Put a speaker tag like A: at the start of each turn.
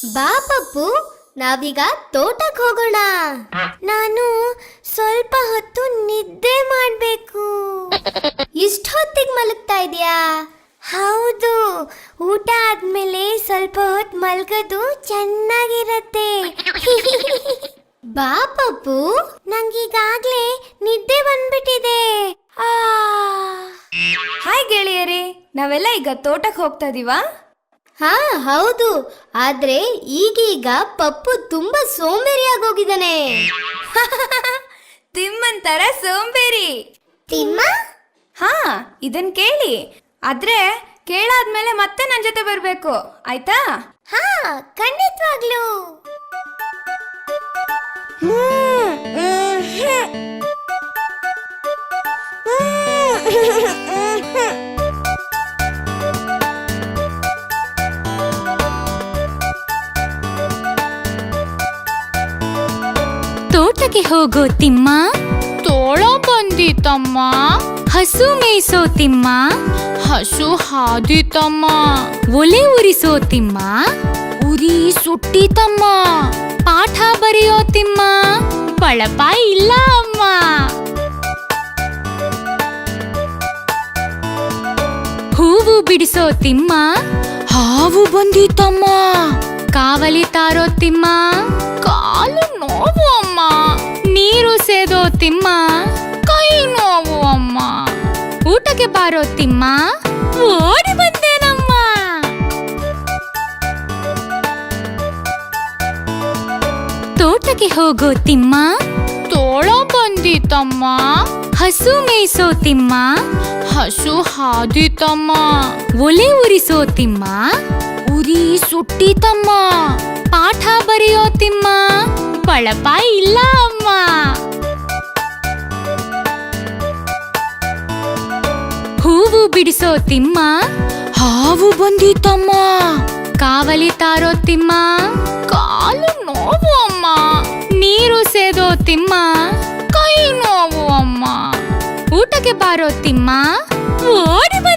A: ಬಾ ಪಪ್ಪು, ನಾವೀಗ ತೋಟಕ್ಕೆ ಹೋಗೋಣ. ನಾನು ಸ್ವಲ್ಪ ಹೊತ್ತು ನಿದ್ದೆ ಮಾಡ್ಬೇಕು. ಇಷ್ಟು ಹೊತ್ತಿಗೆ ಮಲಗ್ತಾ ಇದೀಯಾ? ಹೌದು, ಊಟ ಆದ್ಮೇಲೆ ಸ್ವಲ್ಪ ಹೊತ್ತು ಮಲ್ಗೋದು ಚೆನ್ನಾಗಿರತ್ತೆ. ಬಾ ಪಪ್ಪು, ನಂಗೀಗಾಗ್ಲೇ ನಿದ್ದೆ ಬಂದ್ಬಿಟ್ಟಿದೆ.
B: ಹಾಯ್ ಗೆಳೆಯರೇ, ನಾವೆಲ್ಲ ಈಗ ತೋಟಕ್ಕೆ ಹೋಗ್ತಾ ಇದೀವಾ?
A: ಹಾ ಹೌದು, ಆದ್ರೆ ಈಗೀಗ ಪಪ್ಪು ತುಂಬಾ ಸೋಂಬೇರಿಯಾಗೋಗಿದ್ದಾನೆ.
B: ತಿಮ್ಮನ್ ತರ ಸೋಂಬೇರಿ.
A: ತಿಮ್ಮ?
B: ಹಾ, ಇದನ್ ಕೇಳಿ. ಆದ್ರೆ ಕೇಳಾದ್ಮೇಲೆ ಮತ್ತೆ ನನ್ ಜೊತೆ ಬರ್ಬೇಕು, ಆಯ್ತಾ?
A: ಹಾ, ಖಂಡಿತವಾಗ್ಲೂ.
C: ತೋಟಕ್ಕೆ ಹೋಗೋ ತಿಮ್ಮ, ತೋಳ ಬಂದಿತಮ್ಮ. ಹಸು ಮೇಯಿಸೋ ತಿಮ್ಮ, ಹಸು ಹಾದಿತಮ್ಮ. ಒಲೆ ಉರಿಸೋ ತಿಮ್ಮ, ಉರಿ ಸುಟ್ಟಿತಮ್ಮ. ಪಾಠ ಬರೆಯೋ ತಿಮ್ಮ, ಬಳಪ ಇಲ್ಲ ಅಮ್ಮ. ಹೂವು ಬಿಡಿಸೋ ತಿಮ್ಮ, ಹಾವು ಬಂದಿತಮ್ಮ. ಕಾವಲಿ ತಾರೋ ತಿಮ್ಮ, ಕಾಲು ನೋವು ಅಮ್ಮ. ನೀರು ಸೇದೋ ತಿಮ್ಮ, ಕೈ ನೋವು ಅಮ್ಮ. ಊಟಕ್ಕೆ ಬಾರೋ ತಿಮ್ಮ, ಓಡಿ ಬಂದೇನಮ್ಮ. ತೋಟಕ್ಕೆ ಹೋಗೋ ತಿಮ್ಮ, ತೋಳ ಬಂದಿತಮ್ಮ. ಹಸು ಮೇಯಿಸೋ ತಿಮ್ಮ, ಹಸು ಹಾದಿತಮ್ಮ. ಒಲೆ ಉರಿಸೋ ತಿಮ್ಮ, ಉರಿ ಸುಟ್ಟಿತಮ್ಮ. ಪಾಠ ಬರೆಯೋ ತಿಮ್ಮ, ಬಳಪ ಇಲ್ಲ ಅಮ್ಮ. ಹೂವು ಬಿಡಿಸೋ ತಿಮ್ಮ, ಹಾವು ಬಂದಿತಮ್ಮ. ಕಾವಲಿ ತಾರೋ ತಿಮ್ಮ, ಕಾಲು ನೋವು ಅಮ್ಮ. ನೀರು ಸೇದೋ ತಿಮ್ಮ, ಕೈ ನೋವು ಅಮ್ಮ. ಊಟಕ್ಕೆ ಬಾರೋ ತಿಮ್ಮ, ಓಡಿ